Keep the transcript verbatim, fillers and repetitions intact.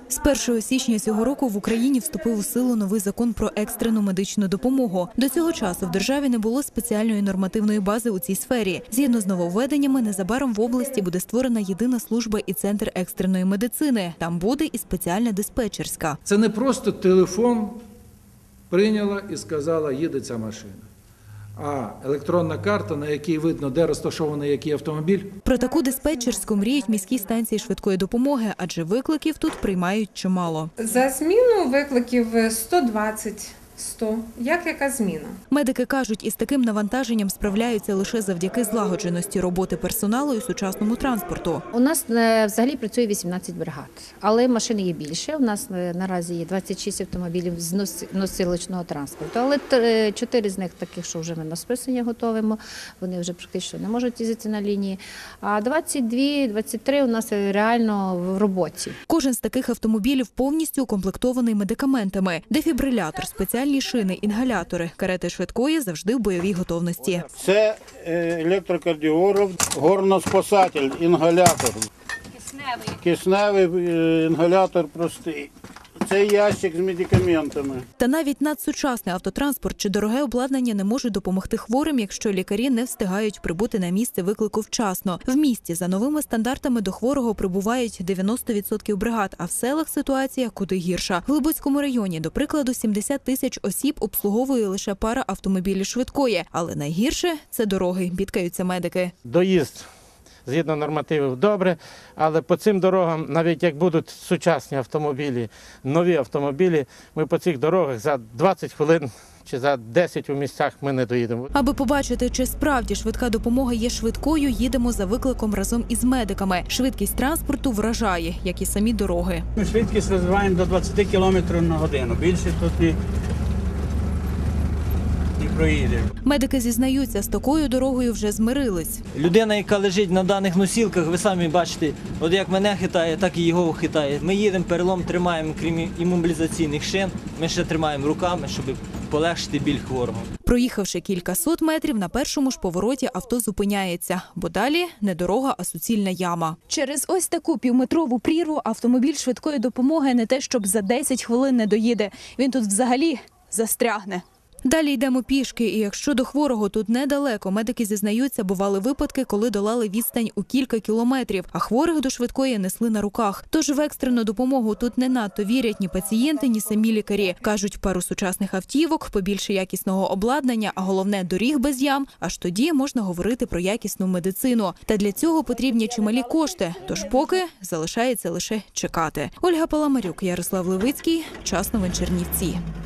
З першого січня цього року в Україні вступив у силу новий закон про екстрену медичну допомогу. До цього часу в державі не було спеціальної нормативної бази у цій сфері. Згідно з нововведеннями, незабаром в області буде створена єдина служба і центр екстреної медицини. Там буде і спеціальна диспетчерська. Це не просто телефон прийняла і сказала, їде ця машина. А електронна карта, на якій видно, де розташований який автомобіль. Про таку диспетчерську мріють міські станції швидкої допомоги, адже викликів тут приймають чимало. За зміну викликів сто двадцять - сто. Як яка зміна? Медики кажуть, із таким навантаженням справляються лише завдяки злагодженості роботи персоналу і сучасному транспорту. У нас взагалі працює вісімнадцять бригад, але машин є більше. У нас наразі є двадцять шість автомобілів з носилочного транспорту, але чотири з них таких, що вже ми на списання готуємо, вони вже практично не можуть їздити на лінії, а двадцять два - двадцять три у нас реально в роботі. Кожен з таких автомобілів повністю укомплектований медикаментами. Дефібрилятор, спеціальні шини, інгалятори. Карети швидкої завжди в бойовій готовності. Це електрокардіограф, горноспасатель, інгалятор. Кисневий. Кисневий інгалятор простий. Це ящик з медикаментами. Та навіть надсучасний автотранспорт чи дороге обладнання не можуть допомогти хворим, якщо лікарі не встигають прибути на місце виклику вчасно. В місті за новими стандартами до хворого прибувають дев'яносто відсотків бригад, а в селах ситуація куди гірша. В Глибоцькому районі, до прикладу, сімдесят тисяч осіб обслуговує лише пара автомобілів швидкої. Але найгірше – це дороги, бідкаються медики. Доїзд згідно нормативів добре, але по цим дорогам, навіть як будуть сучасні автомобілі, нові автомобілі, ми по цих дорогах за двадцять хвилин чи за десять у місцях ми не доїдемо. Аби побачити, чи справді швидка допомога є швидкою, їдемо за викликом разом із медиками. Швидкість транспорту вражає, як і самі дороги. Ми швидкість розвиваємо до двадцяти кілометрів на годину. Більше тут і проїде. Медики зізнаються, з такою дорогою вже змирились. Людина, яка лежить на даних носілках, ви самі бачите, от як мене хитає, так і його хитає. Ми їдемо, перелом тримаємо, крім імобілізаційних шин, ми ще тримаємо руками, щоб полегшити біль хворого. Проїхавши кількасот метрів, на першому ж повороті авто зупиняється, бо далі не дорога, а суцільна яма. Через ось таку півметрову прірву автомобіль швидкої допомоги не те, щоб за десять хвилин не доїде. Він тут взагалі застрягне. Далі йдемо пішки, і якщо до хворого тут недалеко, медики зізнаються, бували випадки, коли долали відстань у кілька кілометрів, а хворих до швидкої несли на руках. Тож в екстрену допомогу тут не надто вірять ні пацієнти, ні самі лікарі. Кажуть, пару сучасних автівок, побільше якісного обладнання, а головне – доріг без ям, аж тоді можна говорити про якісну медицину. Та для цього потрібні чималі кошти, тож поки залишається лише чекати. Ольга Паламарюк, Ярослав Левицький, Час новин Чернівці.